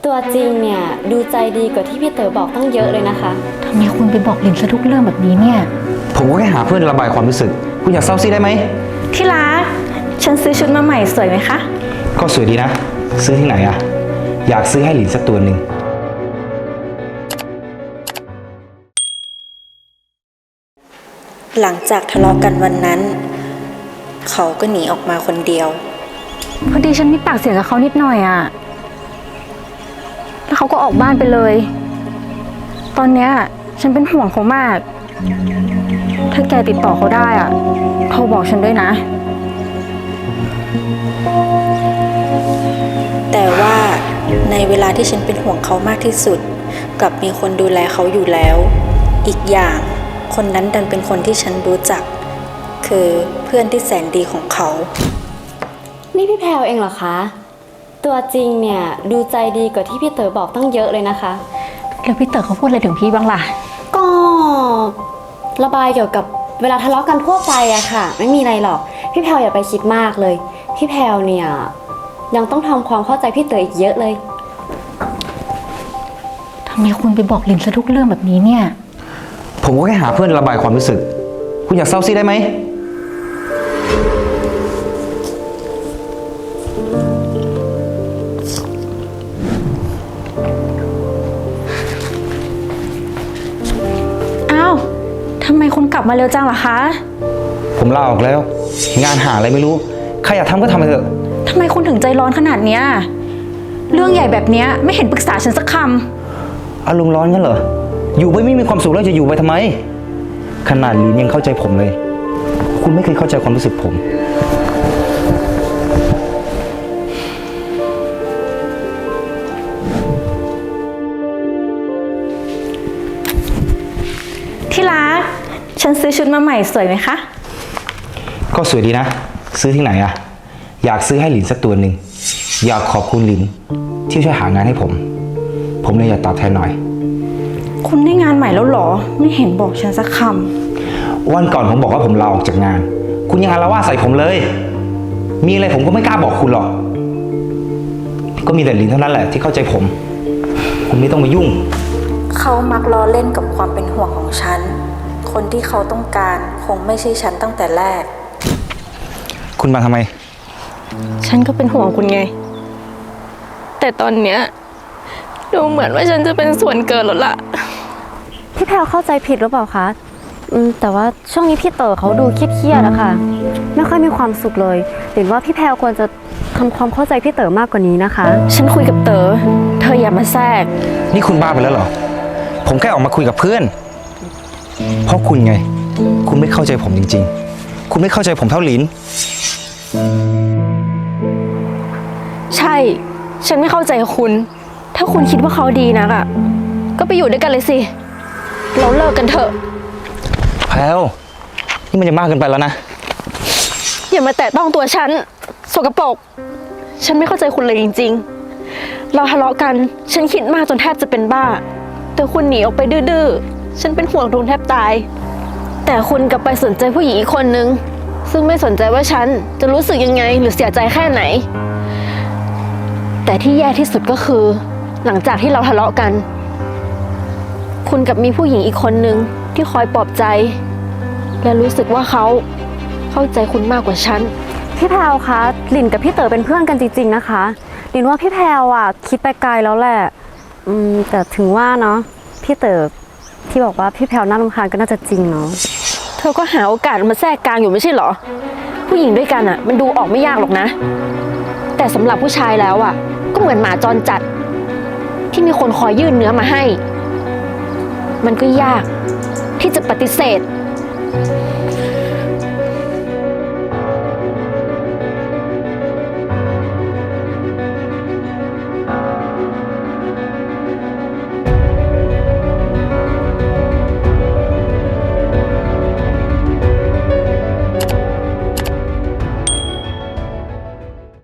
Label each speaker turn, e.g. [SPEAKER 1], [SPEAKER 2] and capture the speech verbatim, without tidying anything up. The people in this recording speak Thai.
[SPEAKER 1] ตัวจริงเนี่ยดูใจดีกว่าที่พี่เต๋อบอกตั้งเยอะเลยนะคะ
[SPEAKER 2] ทำไมคุณไปบอกลินซะทุกเรื่องแบบนี้เนี่ย
[SPEAKER 3] ผมก็แค่หาเพื่อนระบายความรู้สึกคุณอยากเศร้าซีได้ไหม
[SPEAKER 2] ที่รักฉันซื้อชุดมาใหม่สวยไหมคะ
[SPEAKER 3] ก็สวยดีนะซื้อที่ไหนอะอยากซื้อให้หลินสักตัวหนึ่ง
[SPEAKER 4] หลังจากทะเลาะกันวันนั้นเขาก็หนีออกมาคนเดียว
[SPEAKER 2] พอดีฉันมีปากเสียงกับเขานิดหน่อยอะแล้วเขาก็ออกบ้านไปเลยตอนเนี้ยฉันเป็นห่วงเขามากถ้าแกติดต่อเขาได้อะโทรบอกฉันด้วยนะ
[SPEAKER 4] แต่ว่าในเวลาที่ฉันเป็นห่วงเขามากที่สุดกลับมีคนดูแลเขาอยู่แล้วอีกอย่างคนนั้นดันเป็นคนที่ฉันรู้จักคือเพื่อนที่แสนดีของเขา
[SPEAKER 1] นี่พี่แพรวเองเหรอคะตัวจริงเนี่ยดูใจดีกว่าที่พี่เต๋อบอกตั้งเยอะเลยนะคะ
[SPEAKER 2] แล้วพี่เต๋อเขาพูดอะไรถึงพี่บ้างล่ะ
[SPEAKER 1] ก็ระบายเกี่ยวกับเวลาทะเลาะกันทั่วไปอะค่ะไม่มีอะไรหรอกพี่แพรวอย่าไปคิดมากเลยพี่แพรวเนี่ยยังต้องทำความเข้าใจพี่เต๋ออีกเยอะเลย
[SPEAKER 2] ทำไมคุณไปบอกลินซะทุกเรื่องแบบนี้เนี่ย
[SPEAKER 3] ผมก็แค่หาเพื่อนระบายความรู้สึกคุณอยากเศร้าซีได้ไหม
[SPEAKER 2] อ้าวทำไมคุณกลับมาเร็วจังล่ะคะ
[SPEAKER 3] ผมลาออกแล้วงานหาอะไรไม่รู้ใครอยากทำก็ทำไปเถอะ
[SPEAKER 2] ทำไมคุณถึงใจร้อนขนาดเนี้ยเรื่องใหญ่แบบเนี้ยไม่เห็นปรึกษาฉันสักค
[SPEAKER 3] ำอารมณ์ร้อนกันเหรออยู่ไปไม่มีความสุขแล้วจะอยู่ไปทำไมขนาดลินยังเข้าใจผมเลยคุณไม่เคยเข้าใจความรู้สึกผม
[SPEAKER 2] ที่รักฉันซื้อชุดมาใหม่สวยไหมคะ
[SPEAKER 3] ก็สวยดีนะซื้อที่ไหนอะอยากซื้อให้หลินสักตัวหนึ่งอยากขอบคุณหลินที่ช่วยหางานให้ผมผมเลยอยากตอบแทนหน่อย
[SPEAKER 2] คุณได้งานใหม่แล้วหรอไม่เห็นบอกฉันสักค
[SPEAKER 3] ำวันก่อนผมบอกว่าผมลาออกจากงานคุณยังอาละวาดใส่ผมเลยมีอะไรผมก็ไม่กล้าบอกคุณหรอกก็มีแต่หลินเท่านั้นแหละที่เข้าใจผมคุณไม่ต้องมายุ่ง
[SPEAKER 4] เขามักล้อเล่นกับความเป็นห่วงของฉันคนที่เขาต้องการคงไม่ใช่ฉันตั้งแต่แรก
[SPEAKER 3] คุณมาทำไม
[SPEAKER 2] ฉันก็เป็นห่วงคุณไงแต่ตอนเนี้ยดูเหมือนว่าฉันจะเป็นส่วนเกินแล้วล่ะ
[SPEAKER 1] พี่แพรวเข้าใจผิดหรือเปล่าคะอืมแต่ว่าช่วงนี้พี่เต๋อเขาดูเครียดๆอะค่ะไม่ค่อยมีความสุขเลยหรือว่าพี่แพรวควรจะทำความเข้าใจพี่เต๋อมากกว่านี้นะคะ
[SPEAKER 2] ฉันคุยกับเต๋อเธออย่ามาแทรก
[SPEAKER 3] นี่คุณบ้าไปแล้วเหรอผมแค่ออกมาคุยกับเพื่อนเพราะคุณไงคุณไม่เข้าใจผมจริงๆคุณไม่เข้าใจผมเท่าหลิน
[SPEAKER 2] ใช่ฉันไม่เข้าใจคุณถ้าคุณคิดว่าเขาดีนักอ่ะก็ไปอยู่ด้วยกันเลยสิเราเลิกกันเถอะ
[SPEAKER 3] แพลวนี่มันจะมากเกินไปแล้วนะ
[SPEAKER 2] อย่ามาแตะต้องตัวฉันสกปรกฉันไม่เข้าใจคุณเลยจริงๆเราทะเลาะกันฉันคิดมากจนแทบจะเป็นบ้าแต่คุณหนีออกไปดื้อๆฉันเป็นห่วงทุนแทบตายแต่คุณกลับไปสนใจผู้หญิงอีกคนนึงซึ่งไม่สนใจว่าฉันจะรู้สึกยังไงหรือเสียใจแค่ไหนแต่ที่แย่ที่สุดก็คือหลังจากที่เราทะเลาะกันคุณกับมีผู้หญิงอีกคนนึงที่คอยปลอบใจและรู้สึกว่าเขาเข้าใจคุณมากกว่าฉัน
[SPEAKER 1] พี่แพรวคะหลินกับพี่เต๋อเป็นเพื่อนกันจริงๆนะคะหลินว่าพี่แพรวอ่ะคิดไปไกลแล้วแหละอืมแต่ถึงว่าเนาะพี่เต๋อที่บอกว่าพี่แพรวน่ารำคาญก็น่าจะจริงเนาะ
[SPEAKER 2] เธอก็หาโอกาสมาแทรกกลางอยู่ไม่ใช่เหรอผู้หญิงด้วยกันอ่ะมันดูออกไม่ยากหรอกนะแต่สำหรับผู้ชายแล้วอ่ะก็เหมือนหมาจรจัดที่มีคนคอยยื่นเนื้อมาให้มันก็ยากที่จะปฏิเสธ